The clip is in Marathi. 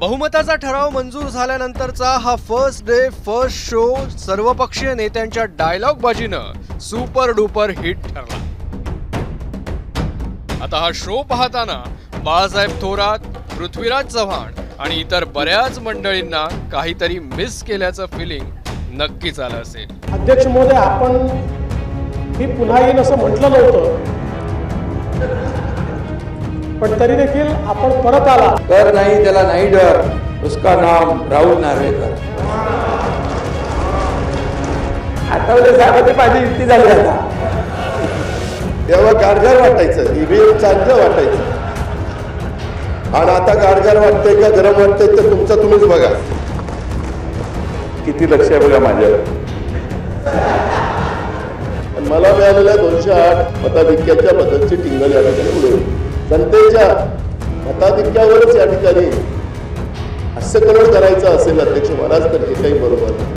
बहुमताचा ठराव मंजूर झाल्यानंतरचा हा फर्स्ट डे फर्स्ट शो सर्वपक्षीय नेत्यांच्या डायलॉग बाजीनं सुपर डुपर हिट ठरला। आता हा शो पाहताना बाळासाहेब थोरात, पृथ्वीराज चव्हाण आणि इतर बऱ्याच मंडळींना काहीतरी मिस केल्याचं फिलिंग नक्कीच आलं असेल। अध्यक्ष महोदय, आपण ही पुन्हा येईन असं म्हटलं नव्हतं, पण तरी देखील आपण परत आला। कर नाही त्याला नाही डर, उसका नाम राहुल नार्वेकर। आठवले साहेबांची माझी युक्ती झाली आता। तेव्हा गारगार वाटायचं, ईव्हीएम चांगलं वाटायचं, आणि आता गारगार वाटतंय का गरम वाटतंय तर तुमचं तुम्हीच बघा। किती लक्ष आहे बघा माझ्यावर। मला मिळालेल्या 208 मताधिक्याच्या बद्दलची टिंगल या ठिकाणी उडवली। जनतेच्या मताधिक्यावरच या ठिकाणी हास्यकरण करायचं असेल अध्यक्ष महाराज, तर हे काही बरोबर